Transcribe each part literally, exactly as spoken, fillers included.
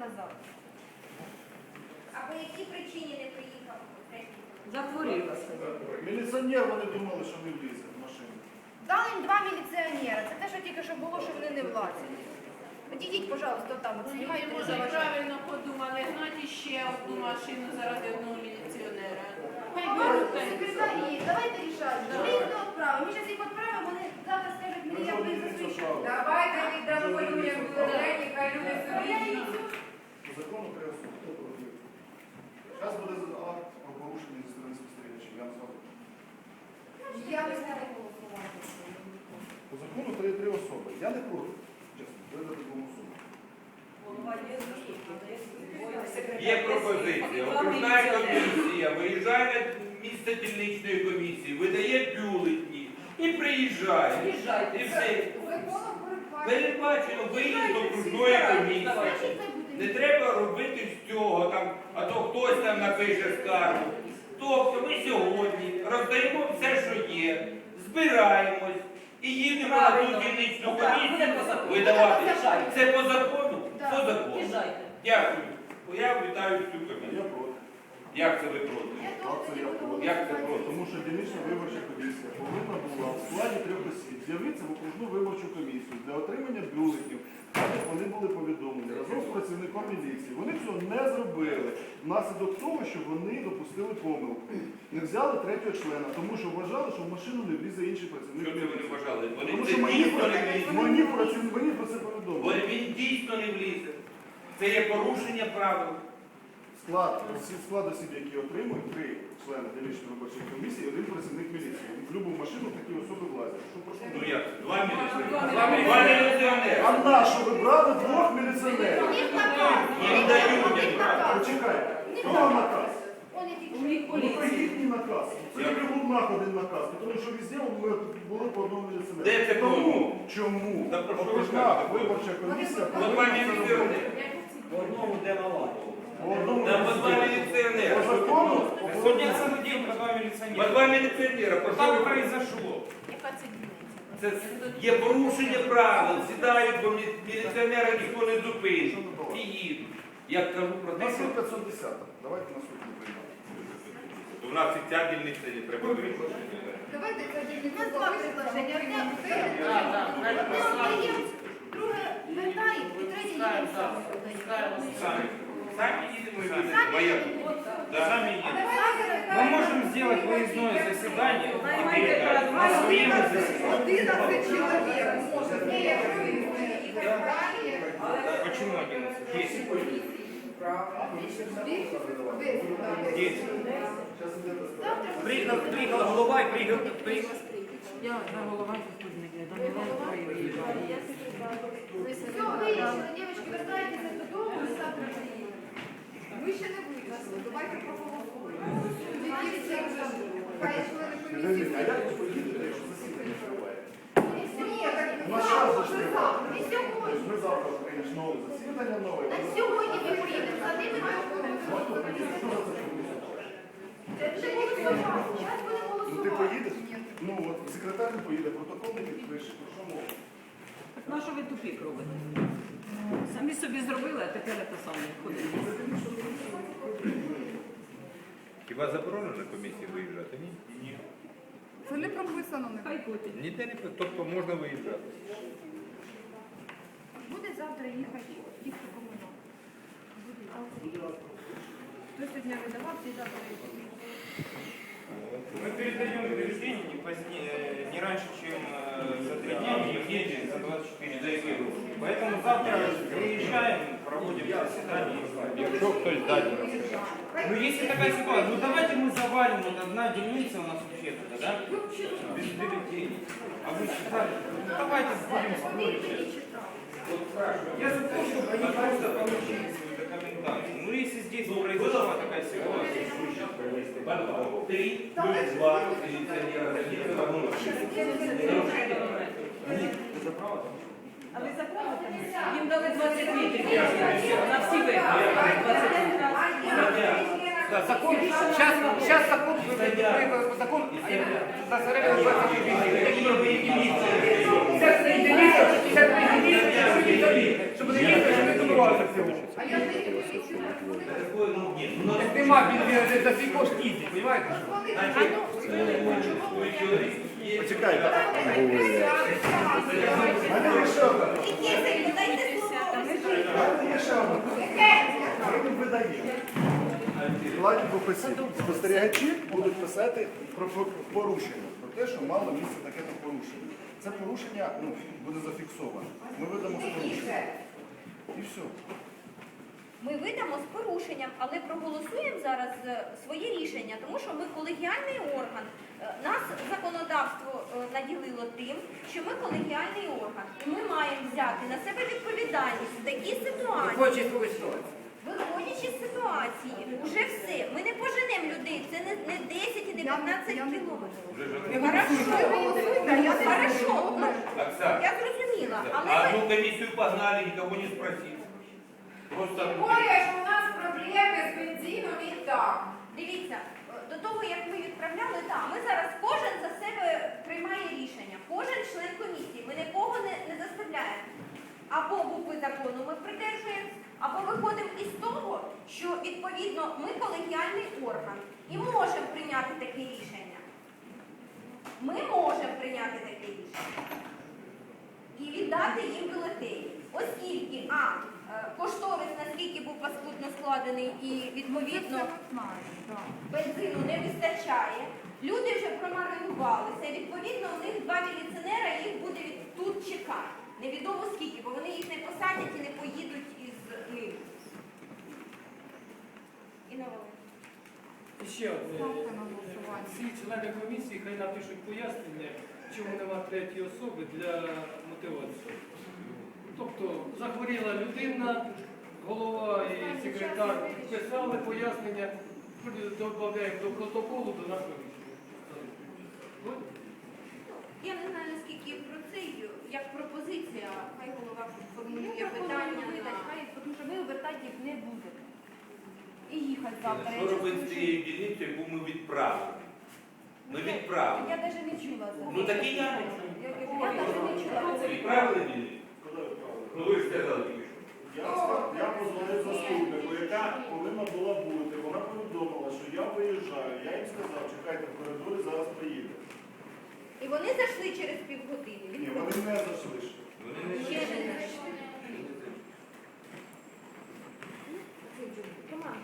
назад. А по якій причині не приїхав? Захворіла. Міліціонер, вони думали, що не влізе в машину. Дали їм два міліціонера. Це те, що тільки що було, що вони не влазять. Підійдіть, пожалуйста, там, от знімайте. Ми може правильно подумали, гнати ще одну машину заради одного міліціонера. Хай беруть та й Секретарі, давайте рішати. Ми їх не відправимо. Ми зараз їх відправимо, вони завтра скажуть, мені я буду засвідчити. Давайте віддамо людям бюлетені, хай люди собі їдуть. По закону треба суд. Хто проводив? Зараз буде акт про порушення зі сторони спостерігачів. Я вам скажу. Я не знаю голосувати. По закону три, три особи. Я не проти. Чесно, видати двом особам. Є пропозиція. Окружна комісія виїжджає на місце дільничної комісії, видає бюлетні і приїжджає. І все. Передбачено виїзд окружної комісії. Не треба робити з цього, там, а то хтось там напише скаргу. Тобто ми сьогодні роздаємо все, що є, збираємось і їдемо на ту дільничну комісію видавати. Це по закону? По закону. Дякую. Я вітаю всю А комісію. я проти. Як це ви проти? Так, це я проти. Як це проти? Тому що дільнична виборча комісія повинна була в складі трьох осіб з'явитися в окружну виборчу комісію для отримання бюлетнів, так як вони були повідомлені разом з працівником міліції. Вони цього не зробили внаслідок того, що вони допустили помилку. Не взяли третього члена, тому що вважали, що в машину не влізе інший працівник Що це вони міліції. вважали? Вони Тому це що мені дійсно про не влізе. мені працівник- мені про це повідомили. Бо він дійсно не влізе. Це є порушення правил. Склад, всі склад осіб, які отримують, три члени дільничної виборчої комісії, і один працівник міліції. В будь-яку машину такі особи влазять. Що прошу? Ну як? Два міліціонери. Два міліціонери. А на що ви брали двох міліціонерів? У них наказ. Їм дають. У них наказ. Почекайте, хто наказ? Он я тільки У них Ну, поліція. це їхній наказ. Це не Прилугнах один наказ, тому що везде ми були по одному міліціонеру. Де це Тому, було? чому? Та про що ви Окружна кажете? виборча комісія По два міліціонери. По одному де мала. по одному Там по два міліціонеру. міліціонери. По закону, Судя судил по два По милиционера. два міліціонера. Про що Что ви произошло? яка це дільниця? Це є порушення правил, сідають, бо мі- міліціонера ніхто не зупинить. І їдуть. Я кажу про у те, нас що є п'ятсот десять. Давайте на суд не приймемо. у нас і ця дільниця не треба вирішити. Давайте це дільниця два предложення. Одне Так, так, одне правильно. віддаємо, друге вертаємо і третє їдемо саме. Самі, самі їдемо і їдемо. Самі Моя. їдемо. Да. Сами едем. Мы можем сделать выездное заседание и передать на своем заседании. одинадцять чоловік може. Ні, якщо ви будете їхати далі, Почему одиннадцать? Десять. Зараз іде розгляд. Приехал, приехала голова и приехал, приехал. Я на голова заступник, до мене виїжджає. Все, вирішили, дівчатки, вертайтеся додому, ми завтра приїдемо. ми ще не вийшли. Давайте проголосуємо. Які всі вже хай члени Підождіть, комісії. а як ви поїдете, якщо засідання триває? Ні, так У нас час же ж ви не завтра. І Тобто сьогодні. ми завтра прийдемо нове засідання, нове. На сьогодні ми поїдемо, за ними ми Ну, а хто приїде? Хто за це комісію? Це вже голосувати. Зараз будемо Ну ти голосувати. поїдеш? Ну от секретар не поїде, протокол не підпише. Про що мова? Так на що ви тупік робите? Самі собі зробили, а тепер це саме ходить. Хіба заборонено на комісії виїжджати? Ні? Ні. Це не прописано. Хай котять. Ніде не тобто можна виїжджати. Буде завтра їхати, їхати комунал. Хто сьогодні видавався і завтра їхати. Мы передаем бюллетени не позднее, не раньше, чем э, за три дня, не в неделю, за двадцать четыре часа. Поэтому завтра приезжаем, проводим заседание. Якщо хтось дасть. Ну если такая ситуация, ну давайте мы завалим, вот одна дельница у нас вообще-то, да? Без бюллетеней. А вы считали? Ну давайте будем спорить. Я за то, чтобы они просто получили свою документацию. Ну если здесь произошла такая ситуация, Три плюс два міліціонера такі вернулися. А ви за право там? Їм дали двадцять літрів. На всі вибори. двадцять літрів. Да, закон, сейчас, сейчас закон, по закону, за сорок двадцать Сейчас единица, сейчас единица, чтобы не чтобы не добиваться всего. А я не Такое, ну, ні, ну, Так нема, він він за свій кошт їздить, розумієте? значить, ви чоловік є. Почекайте. У мене є ще одна. У мене є ще одна. Ми видаємо. Складі професій. Спостерігачі будуть писати про порушення, про те, що мало місце таке-то порушення. Це порушення ну, буде зафіксовано. Ми видамо з порушенням. І все. Ми видамо з порушенням, але проголосуємо зараз е, своє рішення, тому що ми колегіальний орган. Е, Нас законодавство е, наділило тим, що ми колегіальний орган. І ми маємо взяти на себе відповідальність в такій ситуації. Хоче якусь ситуацію. Виходячи з ситуації, уже все. Ми не поженемо людей, це не, не десять і не п'ятнадцять кілометрів. Хорошо, хорошо, ну, Оксана, я зрозуміла, але а ми- одну комиссию погнали, никого не спросив. Просто... Тем более, что у нас проблемы с бензином и так. Дивіться, до того, як ми відправляли, так, ми зараз кожен за себе приймає рішення. Кожен член комісії. Ми нікого не, не заставляємо. Або букви закону ми придержуємось, або виходимо із того, що, відповідно, ми колегіальний орган і можемо прийняти таке рішення. Ми можемо прийняти таке рішення. І віддати їм бюлетені. Оскільки, а, е, кошторис, наскільки був паскудно складений і, відповідно, бензину не вистачає, люди вже промаринувалися, відповідно, у них два міліціонера їх буде від- тут чекати. Невідомо скільки, бо вони їх не посадять і не поїдуть із ним. І на Волинь. І ще одне. Всі члени комісії хай напишуть пояснення, чому нема третьої особи для мотивації. Тобто захворіла людина, голова і секретар писали пояснення, додаємо до протоколу до нашого рішення. Я не знаю, наскільки про це, як пропозиція, хай голова Ну, формулює пропоную питання. видати, на- хай, тому що ми обертати їх не будемо. І їхати завтра. Що робити з цією дільницею, яку ми відправили? Ми відправили. Я навіть не чула за це. Ну так і я не Я чую. я навіть не чула. Відправили дільницю? Куди ви правили? Ну ви ж сказали тільки що. Я, ска- я позвонив заступнику, яка повинна була бути. Вона повідомила, що я виїжджаю. Я їм сказав, чекайте в коридорі, зараз приїде. І вони зайшли через півгодини. Ні, вони не зайшли ще. Вони не Ще не зайшли. Роман.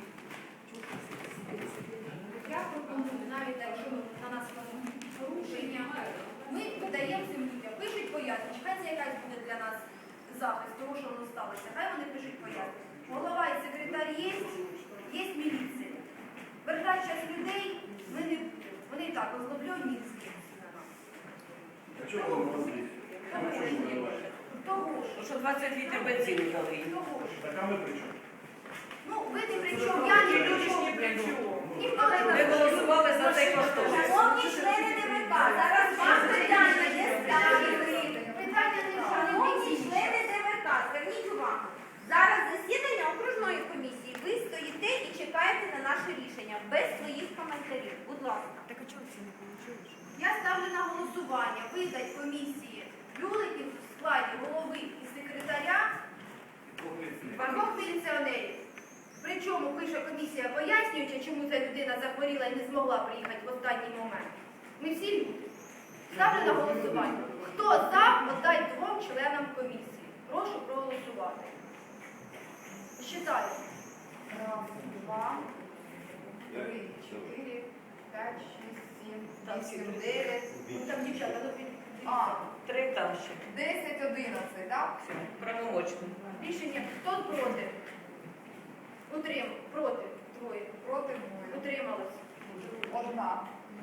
Я пропоную, навіть якщо на нас порушення, ми видаємо цим людям, пишуть пояснення, хай це якась буде для нас захист того, що воно сталося, хай вони пишуть пояснення. Голова і секретар є, є міліція. Вертати час людей, ми не, вони і так озлоблені з ким. А чого ви не розумієте? Того ж, того ж, Що двадцять літрів бензину дали. того ж. Так а ми при чому? Ну, ви не при чому, я не при чому. Ніхто не Ми голосували за цей кошторис. Шановні члени ДВК, зараз вам питання не ставили. Питання не Шановні члени ДВК, зверніть увагу. Зараз засідання окружної комісії. Ви стоїте і чекаєте на наше рішення без своїх коментарів. Будь ласка. Так а чого це не вийшло? Я ставлю на голосування видати комісії бюлетнів в складі голови і секретаря двох міліціонерів. Причому пише комісія, пояснюючи, чому ця людина захворіла і не змогла приїхати в останній момент. Ми всі люди. Ставлю на голосування. Хто за, віддать двом членам комісії. Прошу проголосувати. Считаю. Раз, два, три, чотири, п'ять, шість, сім, вісім, дев'ять. Ну там дівчата, ну під... А, Три там ще. десять, одинадцять, так? Правомочно. Рішення. Хто проти? Утрим. Проти. Троє. Проти двоє. Утрималось. Одна.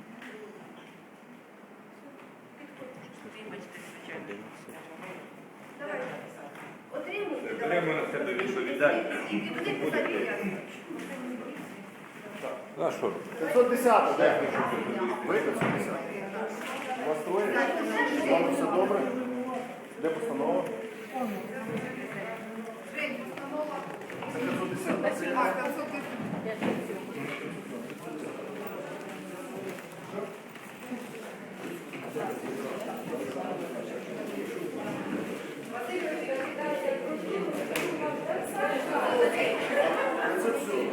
Давай. Отримуйте. Беремо на себе відповідальність. Скільки буде писати пояснення? Ну, а що? п'ятсот десять, де? Ви п'ятсот десять. У вас троє? З вами все добре? Де постанова? Жень, постанова. Це п'ятсот десять. Це А, я. п'ятсот десять. п'ятсот це все.